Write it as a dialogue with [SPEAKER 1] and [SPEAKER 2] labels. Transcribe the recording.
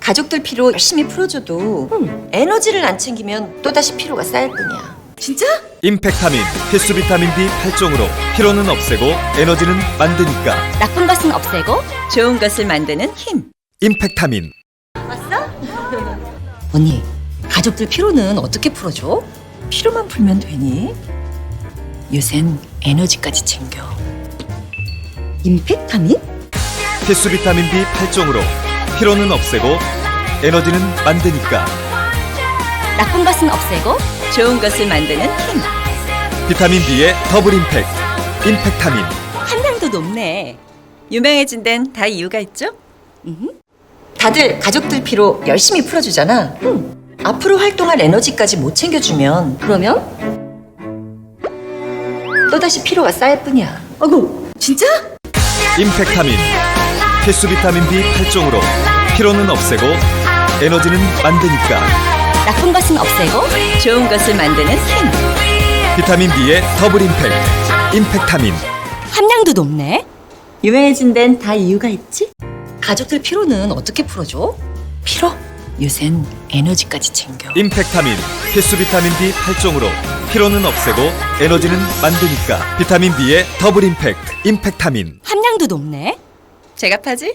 [SPEAKER 1] 가족들 피로 열심히 풀어줘도 에너지를 안 챙기면 또다시 피로가 쌓일 뿐이야.
[SPEAKER 2] 진짜?
[SPEAKER 3] 임팩타민 필수 비타민 B 8종으로 피로는 없애고 에너지는 만드니까.
[SPEAKER 2] 나쁜 것은 없애고
[SPEAKER 1] 좋은 것을 만드는 힘.
[SPEAKER 3] 임팩타민.
[SPEAKER 1] 언니, 가족들 피로는 어떻게 풀어줘? 피로만 풀면 되니? 요샌 에너지까지 챙겨. 임팩타민?
[SPEAKER 3] 필수 비타민 B 8종으로 피로는 없애고 에너지는 만드니까.
[SPEAKER 2] 나쁜 것은 없애고
[SPEAKER 1] 좋은 것을 만드는 힘.
[SPEAKER 3] 비타민 B의 더블 임팩트. 임팩타민.
[SPEAKER 1] 함량도 높네. 유명해진 데는 다 이유가 있죠? 다들 가족들 피로 열심히 풀어주잖아. 앞으로 활동할 에너지까지 못 챙겨주면
[SPEAKER 2] 그러면?
[SPEAKER 1] 또다시 피로가 쌓일 뿐이야.
[SPEAKER 2] 아이고 진짜?
[SPEAKER 3] 임팩타민 필수 비타민 B 8종으로 피로는 없애고 에너지는 만드니까.
[SPEAKER 2] 나쁜 것은 없애고
[SPEAKER 1] 좋은 것을 만드는 힘.
[SPEAKER 3] 비타민 B의 더블 임팩트. 임팩타민.
[SPEAKER 2] 함량도 높네.
[SPEAKER 1] 유명해진 데는 다 이유가 있지? 가족들 피로는 어떻게 풀어줘? 피로? 요샌 에너지까지 챙겨.
[SPEAKER 3] 임팩타민 필수 비타민 B 8종으로 피로는 없애고 에너지는 만드니까. 비타민 B의 더블 임팩트. 임팩타민.
[SPEAKER 2] 함량도 높네.
[SPEAKER 1] 제값하지?